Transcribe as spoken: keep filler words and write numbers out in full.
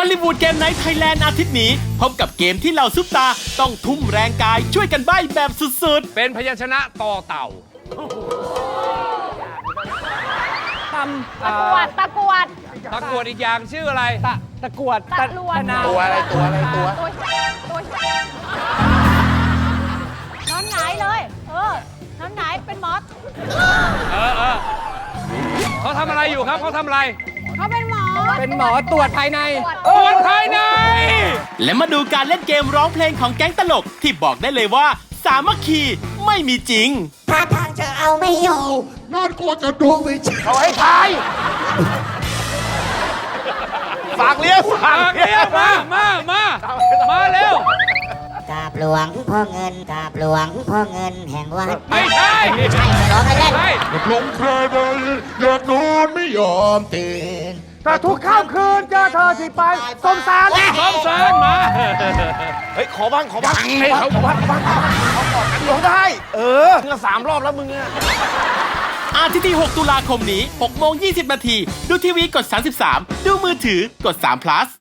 ลลีวูดเกมไนท์ไทยแลนด์อาทิตย์นี้พบกับเกมที่เหล่าซุปตาต้องทุ่มแรงกายช่วยกันใบ้แบบสุดเป็นพยัญชนะต่อเต่าตำตะกรวดตะกรวดตะกรวดอีกอย่างชื่ออะไรตะตะกรวดตะลวดนาตัวอะไรตัวอะไรตัวตัวตัวนอนหงายเลย เออนอนหงายเป็นมอสเออเออเขาทำอะไรอยู่ครับเขาทำอะไรเขาเป็นหมอเป็นหมอตรวจภายในตรวจภายในๆ และมาดูการเล่นเกมร้องเพลงของแก๊งตลกที่บอกได้เลยว่าสามัคคีไม่มีจริงถ้าทางจะเอาไม่อยู่นอนกลัวจะดูไม่ใช่เขาให้ทายฝากเลี้ยงฝาฝาก กเลี้เรียยงกมา มา มา มาเร็วกราบหลวงพ่อเงินกราบหลวงพ่อเงินแห่งวัดไม่ใช่ร้องให้เล่นใช่ลงเคยไปอยากนอนไม่ยอมตื่นแต่ทุกค่ำคืนเจอเธอที่ไปสมสารพร้อมเซิร์นมาเฮ้ยขอบ้างขอบ้างให้เขาขอบ้างบ้างเขากอดกันร้องได้ เออเพื่อสามรอบแล้วมึงอะอาทิตย์ที่ หก ตุลาคมนี้ หกโมงยี่สิบนาที ดูทีวีกด สามสิบสาม ดูมือถือกด สาม plus